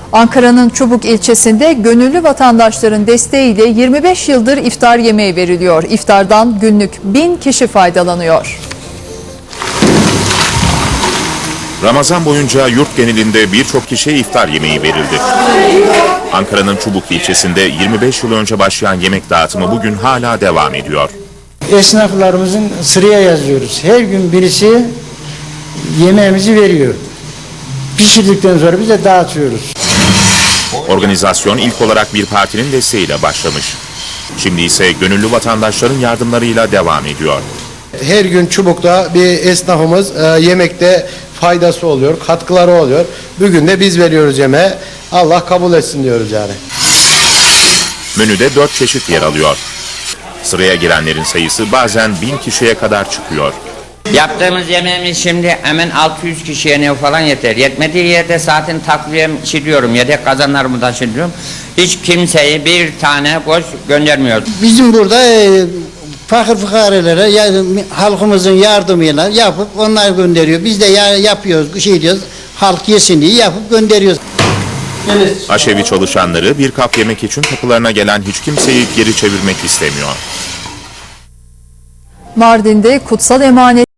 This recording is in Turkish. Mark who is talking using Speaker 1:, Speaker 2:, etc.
Speaker 1: Ankara'nın Çubuk ilçesinde gönüllü vatandaşların desteğiyle 25 yıldır iftar yemeği veriliyor. İftardan günlük 1000 kişi faydalanıyor.
Speaker 2: Ramazan boyunca yurt genelinde birçok kişiye iftar yemeği verildi. Ankara'nın Çubuk ilçesinde 25 yıl önce başlayan yemek dağıtımı bugün hala devam ediyor.
Speaker 3: Esnaflarımızın sıraya yazıyoruz. Her gün birisi yemeğimizi veriyor. Pişirdikten sonra biz de dağıtıyoruz.
Speaker 2: Organizasyon ilk olarak bir partinin desteğiyle başlamış. Şimdi ise gönüllü vatandaşların yardımlarıyla devam ediyor.
Speaker 4: Her gün Çubuk'ta bir esnafımız yemekte faydası oluyor, katkıları oluyor. Bugün de biz veriyoruz yemeği. Allah kabul etsin diyoruz yani.
Speaker 2: Menüde 4 çeşit yer alıyor. Sıraya girenlerin sayısı bazen 1000 kişiye kadar çıkıyor.
Speaker 5: Yaptığımız yemeğimiz şimdi hemen 600 kişiye ne falan yeter. Yetmediği yerde zaten takviyem çiliyorum. Yedek kazanlarımı da çiliyorum. Hiç kimseyi bir tane boş göndermiyor.
Speaker 3: Bizim burada fakir fukarelere halkımızın yardımıyla yapıp onlar gönderiyor. Biz de yapıyoruz, diyoruz. Halk yesin diye yapıp gönderiyoruz.
Speaker 2: Aşevi çalışanları bir kap yemek için kapılarına gelen hiç kimseyi geri çevirmek istemiyor.
Speaker 1: Mardin'de kutsal emanet